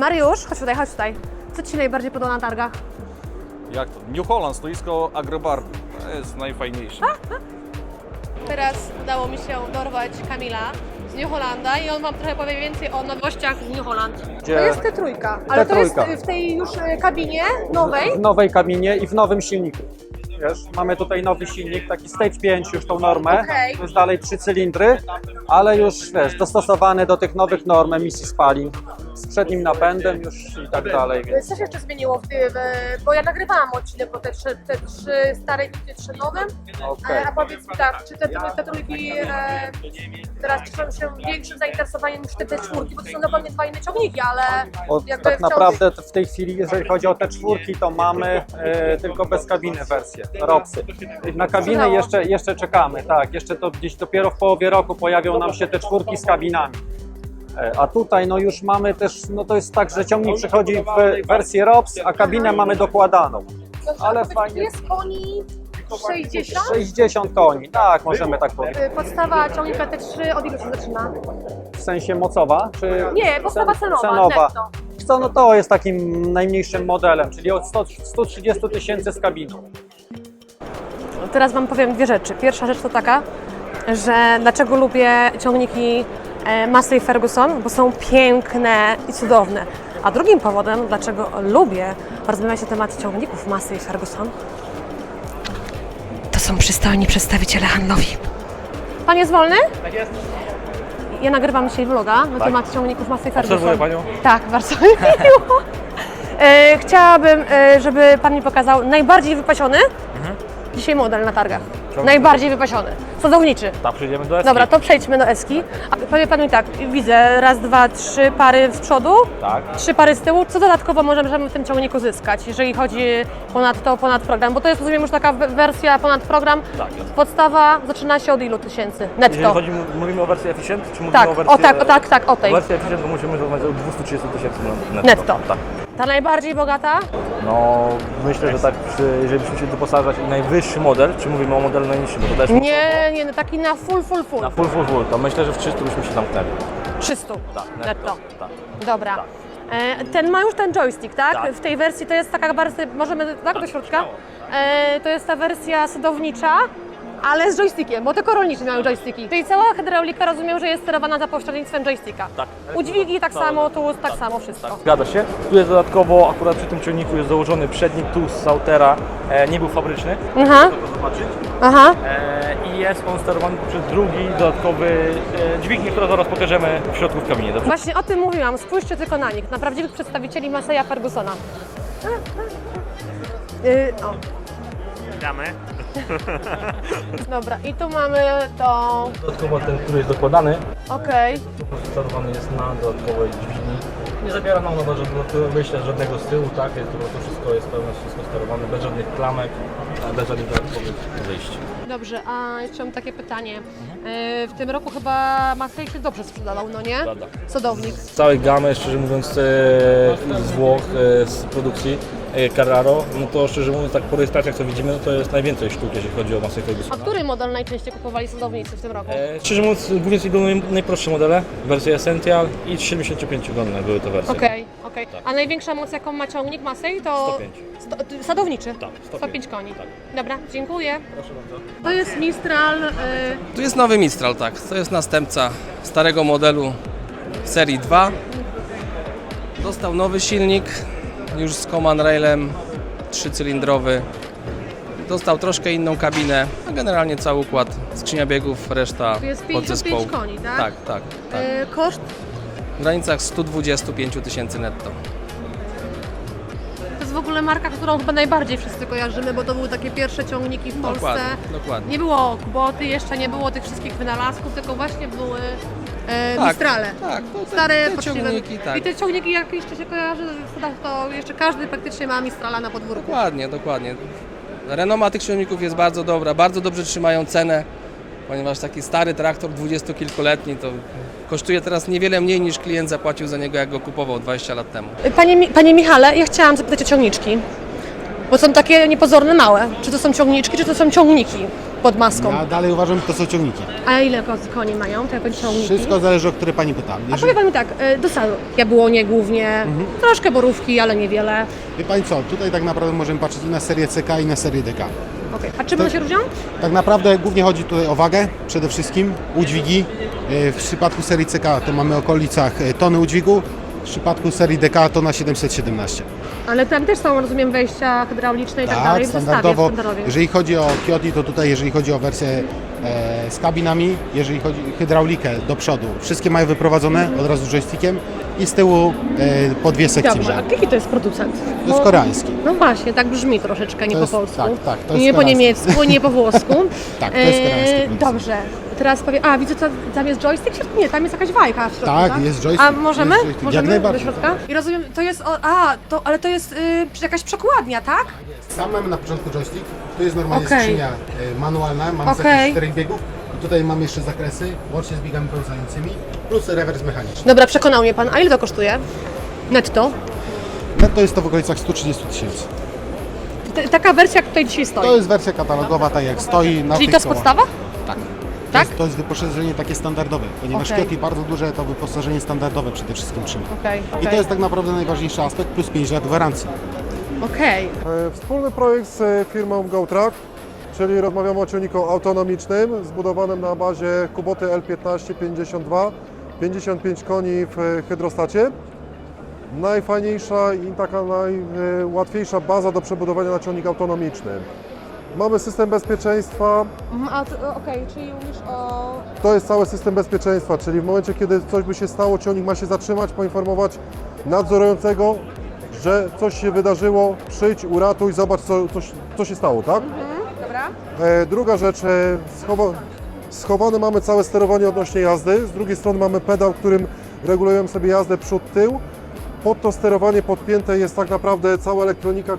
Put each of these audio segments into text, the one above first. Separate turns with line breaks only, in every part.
Mariusz, chodź tutaj, chodź tutaj. Co Ci się najbardziej podoba na targach?
Jak to? New Holland, stoisko Agrobarku. To jest najfajniejsze.
Teraz udało mi się dorwać Kamila z New Hollanda i on Wam trochę powie więcej o nowościach z New Holland.
Gdzie-
To jest T3, ale to jest
T3.
w tej już kabinie nowej.
W nowej kabinie i w nowym silniku. Wiesz, mamy tutaj nowy silnik, taki Stage 5 już tą normę,
Okej.
to jest dalej 3 cylindry, ale już wiesz, dostosowany do tych nowych norm emisji spalin, z przednim napędem już i tak dalej. Więc
Co się jeszcze zmieniło bo ja nagrywałam odcinek o te trzy stare i te trzy nowe.
okej.
A powiedz mi tak, czy te trójki teraz cieszą się większym zainteresowaniem niż te czwórki, bo to są dokładnie dwa inne ciągniki, ale jakby
Tak
wciąż-
naprawdę w tej chwili, jeżeli chodzi o te czwórki, to mamy tylko bez kabiny wersję, ROPSy. Na kabinę jeszcze czekamy, tak, jeszcze to gdzieś dopiero w połowie roku pojawią nam się te czwórki z kabinami. A tutaj no już mamy też, no to jest tak, że ciągnik przychodzi w wersję ROPS, a kabinę mamy dokładaną. Ale fajnie.
Jest koni 60?
60 koni, tak, możemy tak powiedzieć.
Podstawa ciągnika T3 od ilu się zaczyna?
W sensie mocowa, czy
Nie, podstawa cenowa, netto.
Co, no to jest takim najmniejszym modelem, czyli od 130 000 z kabiną.
Teraz Wam powiem dwie rzeczy. Pierwsza rzecz to taka, że dlaczego lubię ciągniki Massey Ferguson, bo są piękne i cudowne. A drugim powodem, dlaczego lubię rozmawiać na temat ciągników Massey Ferguson, to są przystojni przedstawiciele handlowi. Pan jest wolny?
Tak jest.
Ja nagrywam dzisiaj vloga na temat ciągników Massey Ferguson.
Obserwuję Panią.
Tak, bardzo mi miło. Chciałabym, żeby Pan mi pokazał najbardziej wypasiony dzisiaj model na targach. Najbardziej wypasiony. Sadowniczy.
Tak, przejdziemy do Eski.
Dobra, to przejdźmy do Eski. A powie Pan mi tak, widzę raz, dwa, trzy pary z przodu,
Tak.
3 pary z tyłu. Co dodatkowo możemy w tym ciągniku zyskać, jeżeli chodzi ponad program? Bo to jest, rozumiem, już taka wersja ponad program.
Tak, jest.
Podstawa zaczyna się od ilu tysięcy netto?
Jeżeli mówimy o wersji Efficient, czy mówimy
Tak,
o wersji...
o tej.
O wersji Efficient to musimy rozmawiać o 230 000
Netto.
Tak.
Ta najbardziej bogata?
No, myślę, że tak, jeżeli byśmy się doposażać i najwyższy model, czy mówimy o modelu najniższym, bo to też...
Nie, no taki na full.
Na full, to myślę, że w 300 byśmy się zamknęli.
300
Tak,
netto.
Tak.
Dobra. Ten ma już ten joystick, tak?
Tak.
W tej wersji to jest taka wersja, możemy tak do środka? To jest ta wersja sadownicza, ale z joystickiem, bo tylko rolniczy mają joysticki. Czyli cała hydraulika, rozumiem, że jest sterowana za pośrednictwem joysticka.
Tak.
Udźwigi tak samo, tu tak samo, wszystko.
Zgadza się. Tu jest dodatkowo, akurat przy tym ciągniku jest założony przednik tu z Sautera, nie był fabryczny,
Aha,
to zobaczyć.
aha.
I jest on sterowany przez drugi dodatkowy dźwignię, którą zaraz pokażemy w środku w kabinie. Dobrze?
Właśnie o tym mówiłam, spójrzcie tylko na nich, na prawdziwych przedstawicieli Masseya Fergusona. O.
Witamy.
Dobra, i tu mamy to.
Dodatkowo ten, który jest dokładany,
Okej.
sterowany jest na dodatkowej dźwigni. Nie zabiera nam na myślę żadnego z tyłu, tak? To wszystko jest pełne, wszystko sterowane, bez żadnych klamek, bez żadnych dodatkowych wyjść.
Dobrze, a jeszcze mam takie pytanie. W tym roku chyba Massey się dobrze sprzedawał, no nie?
Prawda.
Sadownik.
Z całej gamy, szczerze mówiąc, z Włoch, z produkcji Carraro, no to szczerze mówiąc, tak po rejestracjach co widzimy, to jest najwięcej sztuk, jeżeli chodzi o Massey
A
Fergusona.
który model najczęściej kupowali sadownicy w tym roku?
Szczerze mówiąc, głównie to były najprostsze modele, wersje Essential i 75-godne były to wersje.
Okej. A największa moc, jaką ma ciągnik Massey, to
105.
Sadowniczy?
Tak,
105 koni.
Tak.
Dobra, dziękuję.
Proszę bardzo.
To jest Mistral.
Tu jest nowy Mistral, tak. To jest następca starego modelu serii 2. Dostał nowy silnik, już z Command Railem, 3-cylindrowy. Dostał troszkę inną kabinę, a generalnie cały układ, skrzynia biegów, reszta
To jest
podzespołu.
55 koni, tak?
Tak.
Koszt?
W granicach 125 000 netto.
To jest w ogóle marka, którą chyba najbardziej wszyscy kojarzymy, bo to były takie pierwsze ciągniki w Polsce.
Dokładnie.
Nie było Kuboty, jeszcze nie było tych wszystkich wynalazków, tylko właśnie były Mistrale.
Tak, to
Stare,
te
poczciwe.
ciągniki, tak.
I te ciągniki, jak jeszcze się kojarzy, to jeszcze każdy praktycznie ma Mistrala na podwórku.
Dokładnie. Renoma tych ciągników jest bardzo dobra, bardzo dobrze trzymają cenę, ponieważ taki stary traktor dwudziestokilkuletni to kosztuje teraz niewiele mniej niż klient zapłacił za niego, jak go kupował 20 lat temu.
Panie Michale, ja chciałam zapytać o ciągniczki. Bo są takie niepozorne małe. Czy to są ciągniczki, czy to są ciągniki pod maską?
Ja dalej uważam, że to są ciągniki.
A ile koni mają te ciągniki?
Wszystko zależy, o które pani pyta.
A powie Pan mi tak, do sadu. Jabłonie głównie, troszkę borówki, ale niewiele.
Wie pani co, tutaj tak naprawdę możemy patrzeć i na serię CK i na serię DK.
Okay. A czym one się różnią?
Tak naprawdę głównie chodzi tutaj o wagę przede wszystkim, udźwigi. W przypadku serii CK to mamy w okolicach tony udźwigu, w przypadku serii DK to na 717.
Ale tam też są, rozumiem, wejścia hydrauliczne i tak dalej w
standardowo.
zestawie.
Jeżeli chodzi o Kioti, to tutaj jeżeli chodzi o wersję z kabinami, jeżeli chodzi o hydraulikę do przodu, wszystkie mają wyprowadzone od razu joystickiem i z tyłu po dwie sekcje.
Dobrze, a jaki to jest producent?
To jest koreański.
No właśnie, tak brzmi troszeczkę, nie
To
po
jest-
polsku.
tak, to jest
nie po
koreański.
niemiecku, nie po włosku.
Tak, to jest koreański producent.
Dobrze, teraz powiem, widzę, tam jest joystick? Nie, tam jest jakaś wajka w środku,
Tak, jest joystick.
A możemy?
Jest joystick,
Możemy
jak najbardziej.
do środka? I rozumiem, to jest, ale to jest jakaś przekładnia, tak?
Sam mamy na początku joystick, tu jest normalnie
Okej.
skrzynia manualna, mamy
Okej.
zakres 4 biegów i tutaj mamy jeszcze zakresy, łącznie z biegami pełzającymi, plus rewers mechaniczny.
Dobra, przekonał mnie Pan. A ile to kosztuje? Netto?
No to jest to w okolicach 130 tysięcy.
Taka wersja, jak tutaj dzisiaj stoi.
To jest wersja katalogowa, tak jak stoi na
Czyli
tych
to jest
kołach.
podstawa?
Tak.
Tak?
To jest wyposażenie takie standardowe, ponieważ
Okej.
Kioti bardzo duże to wyposażenie standardowe przede wszystkim trzyma.
Okej.
I to jest tak naprawdę najważniejszy aspekt, plus 5 lat gwarancji.
Okej.
Wspólny projekt z firmą GoTrack, czyli rozmawiamy o ciągniku autonomicznym zbudowanym na bazie Kuboty L1552, 55 koni w hydrostacie. Najfajniejsza i taka najłatwiejsza baza do przebudowania na ciągnik autonomiczny. Mamy system bezpieczeństwa,
Okej, czyli mówisz o...
to jest cały system bezpieczeństwa, czyli w momencie, kiedy coś by się stało, ciągnik ma się zatrzymać, poinformować nadzorującego, że coś się wydarzyło, przyjdź, uratuj, zobacz co się stało, tak?
Dobra.
Druga rzecz, schowane mamy całe sterowanie odnośnie jazdy, z drugiej strony mamy pedał, którym regulujemy sobie jazdę przód-tył. Pod to sterowanie podpięte jest tak naprawdę cała elektronika,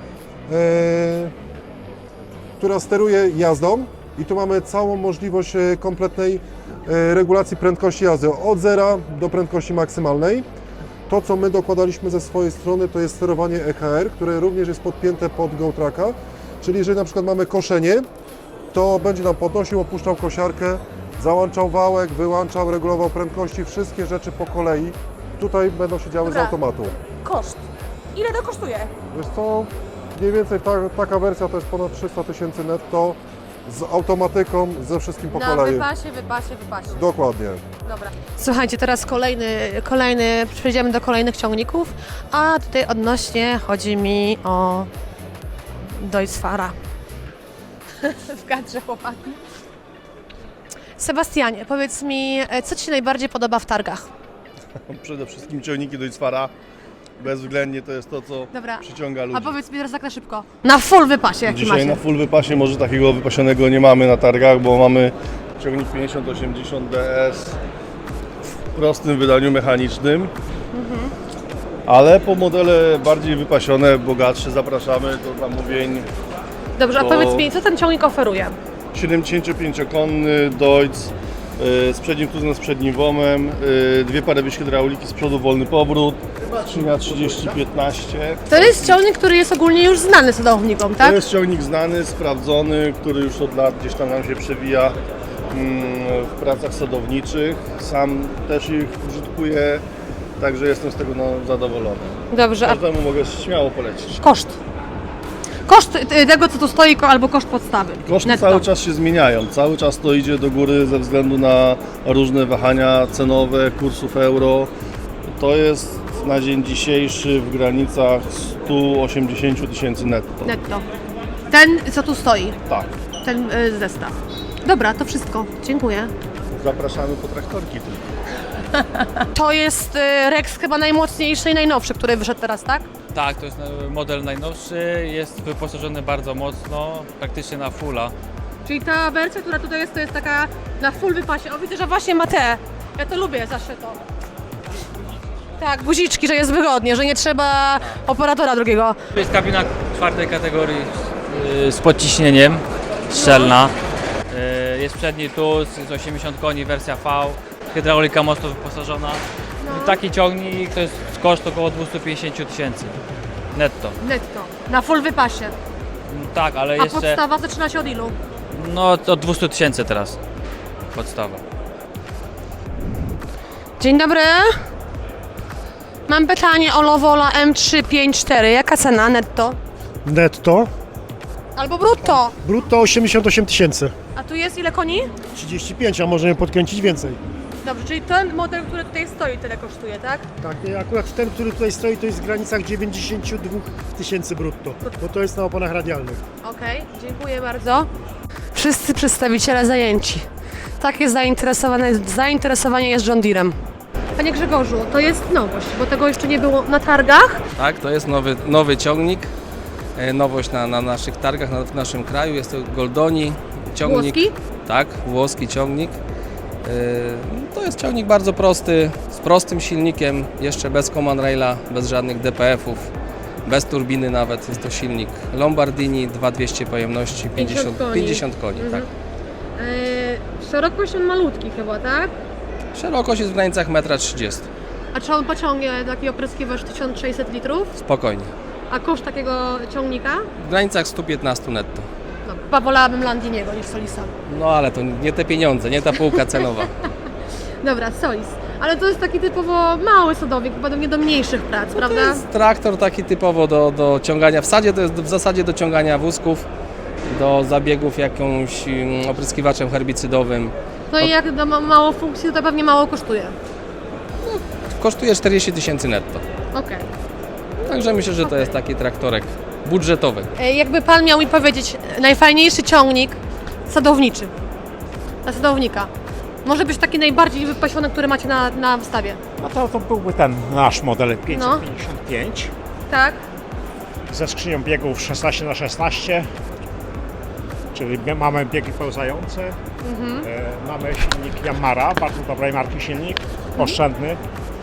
która steruje jazdą i tu mamy całą możliwość kompletnej regulacji prędkości jazdy od zera do prędkości maksymalnej. To, co my dokładaliśmy ze swojej strony, to jest sterowanie EKR, które również jest podpięte pod GoTracka, czyli jeżeli na przykład mamy koszenie, to będzie nam podnosił, opuszczał kosiarkę, załączał wałek, wyłączał, regulował prędkości, wszystkie rzeczy po kolei. Tutaj będą się działy z
Dobra.
automatu.
Koszt. Ile to kosztuje?
Wiesz co, mniej więcej taka wersja to jest ponad 300 tysięcy netto z automatyką, ze wszystkim po kolei.
wypasie.
Dokładnie.
Dobra. Słuchajcie, teraz przejdziemy do kolejnych ciągników, a tutaj odnośnie chodzi mi o Deutz-Fahra. W kadrze chłopaki. Sebastianie, powiedz mi, co Ci się najbardziej podoba w targach?
Przede wszystkim ciągniki Deutz-Fahra. Bezwzględnie to jest to, co
Dobra.
przyciąga ludzi.
A powiedz mi teraz tak na szybko. Na full wypasie, jaki
Dzisiaj
macie?
na full wypasie może takiego wypasionego nie mamy na targach, bo mamy ciągnik 5080 DS w prostym wydaniu mechanicznym. Ale po modele bardziej wypasione, bogatsze zapraszamy do zamówień.
Dobrze, a
to-
powiedz mi, co ten ciągnik oferuje?
75-konny Deutz z przednim tuzem, z przednim WOM-em, dwie pary wyjść hydrauliki, z przodu wolny powrót, skrzynia 3015.
To jest ciągnik, który jest ogólnie już znany sadownikom, tak?
To jest ciągnik znany, sprawdzony, który już od lat gdzieś tam nam się przewija w pracach sadowniczych. Sam też ich użytkuję, także jestem z tego zadowolony.
Dobrze, a
Każdemu mogę śmiało polecić.
koszt? Koszt tego, co tu stoi, albo koszt podstawy?
Koszty
Netto.
cały czas się zmieniają, cały czas to idzie do góry ze względu na różne wahania cenowe, kursów euro. To jest na dzień dzisiejszy w granicach 180 tysięcy netto.
Netto. Ten, co tu stoi,
Tak.
ten zestaw. Dobra, to wszystko. Dziękuję.
Zapraszamy po traktorki tylko.
To jest Rex chyba najmocniejszy i najnowszy, który wyszedł teraz, tak?
Tak, to jest model najnowszy, jest wyposażony bardzo mocno, praktycznie na fulla.
Czyli ta wersja, która tutaj jest, to jest taka na full wypasie. O, widzę, że właśnie ma te. Ja to lubię zawsze to. Tak, guziczki, że jest wygodnie, że nie trzeba operatora drugiego.
To jest kabina czwartej kategorii z podciśnieniem, szczelna. Jest przedni tuz, jest 80 koni, wersja V, hydraulika mocno wyposażona. Taki ciągnik to jest koszt około 250 tysięcy netto.
Netto. Na full wypasie.
Tak, ale
A
jeszcze...
podstawa zaczyna się od ilu?
No od 200 000 teraz. Podstawa.
Dzień dobry. Mam pytanie o Lovola M354. Jaka cena netto?
Netto.
Albo brutto.
Brutto 88 tysięcy.
A tu jest ile koni?
35, a możemy podkręcić więcej.
Dobrze, czyli ten model, który tutaj stoi, tyle kosztuje, tak?
Tak, akurat ten, który tutaj stoi, to jest w granicach 92 tysięcy brutto, bo to jest na oponach radialnych.
Okej, dziękuję bardzo. Wszyscy przedstawiciele zajęci. Takie zainteresowanie jest John Deerem. Panie Grzegorzu, to jest nowość, bo tego jeszcze nie było na targach.
Tak, to jest nowy ciągnik. Nowość na naszych targach, w naszym kraju. Jest to Goldoni ciągnik.
Włoski?
Tak, włoski ciągnik. To jest ciągnik bardzo prosty, z prostym silnikiem, jeszcze bez command raila, bez żadnych DPF-ów, bez turbiny nawet. Jest to silnik Lombardini, 2200 pojemności, 50 koni. Tak.
Szerokość on malutki chyba, tak?
Szerokość jest w granicach 1,30 m.
A czy on pociągnie taki opryskiwacz 1600 litrów?
Spokojnie.
A koszt takiego ciągnika?
W granicach 115 netto.
No, chyba wolałabym Landiniego niż Solisa.
No ale to nie te pieniądze, nie ta półka cenowa.
Dobra, Solis. Ale to jest taki typowo mały sadownik, chyba nie do mniejszych prac, prawda?
To jest traktor taki typowo do ciągania, to jest w zasadzie do ciągania wózków, do zabiegów jakimś opryskiwaczem herbicydowym.
No i jak ma mało funkcji, to pewnie mało kosztuje.
Kosztuje 40 000 netto.
Okej.
Także myślę, że to jest taki traktorek budżetowy.
Jakby Pan miał mi powiedzieć, najfajniejszy ciągnik sadowniczy, dla sadownika. Może być taki najbardziej wypasiony, który macie na wystawie.
No to byłby ten nasz model 555
Tak?
ze skrzynią biegów 16×16, czyli mamy biegi pełzające. Mamy silnik Yamara, bardzo dobrej marki silnik, oszczędny.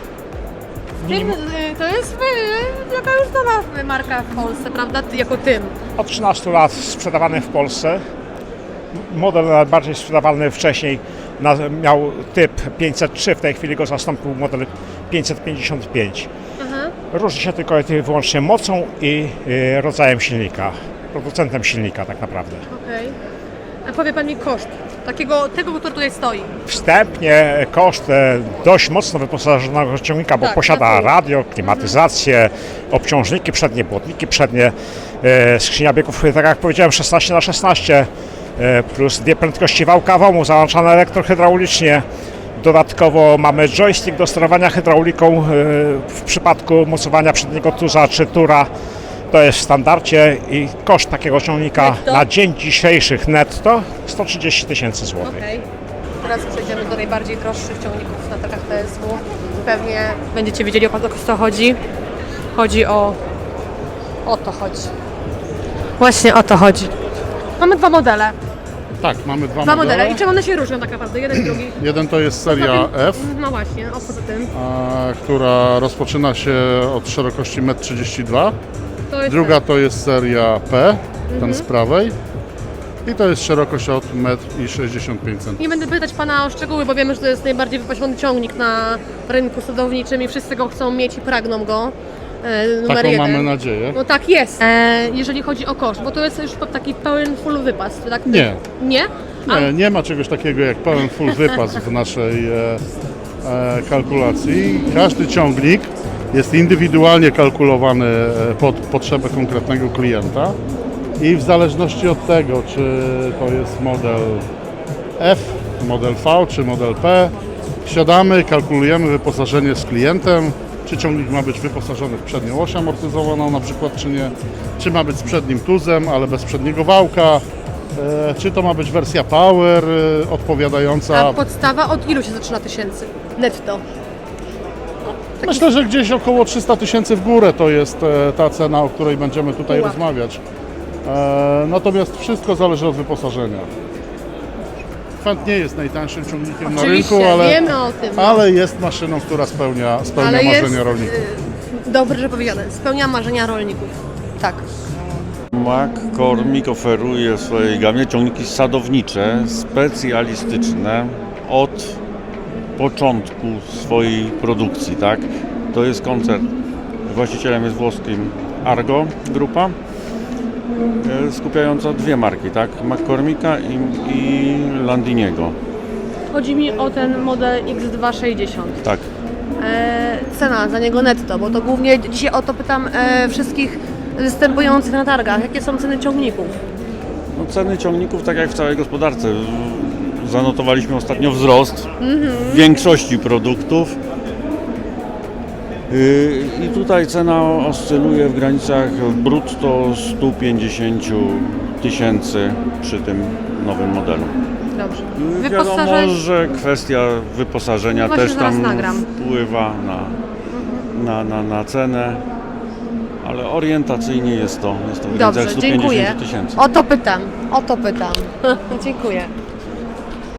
To jest jaka już znana marka w Polsce, prawda? Jako tym.
Od 13 lat sprzedawany w Polsce. Model najbardziej sprzedawany wcześniej miał typ 503, w tej chwili go zastąpił model 555. Różni się tylko i wyłącznie mocą i rodzajem silnika, producentem silnika tak naprawdę.
Okej. A powie Pan mi koszt tego, który tutaj stoi.
Wstępnie koszt dość mocno wyposażonego ciągnika, bo
Tak,
posiada
tak.
radio, klimatyzację, obciążniki przednie, błotniki przednie, skrzynia biegów, tak jak powiedziałem, 16×16, plus dwie prędkości wałka WOMU załączane elektrohydraulicznie. Dodatkowo mamy joystick do sterowania hydrauliką w przypadku mocowania przedniego tuza czy tura. To jest w standardzie i koszt takiego ciągnika
Netto?
na dzień dzisiejszych netto 130 000 złotych.
Okej. Teraz przejdziemy do najbardziej droższych ciągników na targach TSW. Pewnie będziecie wiedzieli, o co chodzi. Chodzi o to chodzi. Właśnie o to chodzi. Mamy dwa modele.
Tak, mamy
Dwa modele. I czym one się różnią tak naprawdę? Jeden i drugi.
Jeden to jest seria F,
No właśnie, o poza tym.
która rozpoczyna się od szerokości 1,32 m.
To jest
Druga to jest seria P, ten z prawej. I to jest szerokość od 1,65 m.
Nie będę pytać Pana o szczegóły, bo wiemy, że to jest najbardziej wypasiony ciągnik na rynku sadowniczym i wszyscy go chcą mieć i pragną go. Numer
Taką
1.
mamy nadzieję.
No tak jest. Jeżeli chodzi o koszt, bo to jest już taki pełen full wypas, tak?
Nie.
Nie?
Nie ma czegoś takiego jak pełen full wypas w naszej kalkulacji. Każdy ciągnik jest indywidualnie kalkulowany pod potrzebę konkretnego klienta i w zależności od tego, czy to jest model F, model V czy model P, siadamy, kalkulujemy wyposażenie z klientem, czy ciągnik ma być wyposażony w przednią oś amortyzowaną na przykład, czy nie, czy ma być z przednim tuzem, ale bez przedniego wałka, czy to ma być wersja Power odpowiadająca.
A podstawa od ilu się zaczyna tysięcy netto?
Myślę, że gdzieś około 300 000 w górę to jest ta cena, o której będziemy tutaj
Pułap.
rozmawiać. Natomiast wszystko zależy od wyposażenia. Fendt nie jest najtańszym ciągnikiem na
Oczywiście,
rynku,
wiemy o tym. No.
ale jest maszyną, która spełnia
Ale
marzenia
jest,
rolników.
Dobrze, że powiedziane. Spełnia marzenia rolników. Tak.
McCormick oferuje w swojej gamie ciągniki sadownicze, specjalistyczne od początku swojej produkcji, tak? To jest koncern, właścicielem jest włoskim Argo Grupa
skupiająca dwie marki, tak? McCormicka i Landiniego.
Chodzi mi o ten model X260.
Tak.
Cena za niego netto, bo to głównie dzisiaj o to pytam wszystkich występujących na targach. Jakie są ceny ciągników?
No, ceny ciągników, tak jak w całej gospodarce, zanotowaliśmy ostatnio wzrost w większości produktów. I tutaj cena oscyluje w granicach brutto 150 000 przy tym nowym modelu.
Dobrze.
Wiadomo, że kwestia wyposażenia
Właśnie
też
zaraz
tam
nagram.
wpływa na cenę, ale orientacyjnie jest to w granicach
Dobrze,
150
dziękuję.
000.
O to pytam. Dziękuję.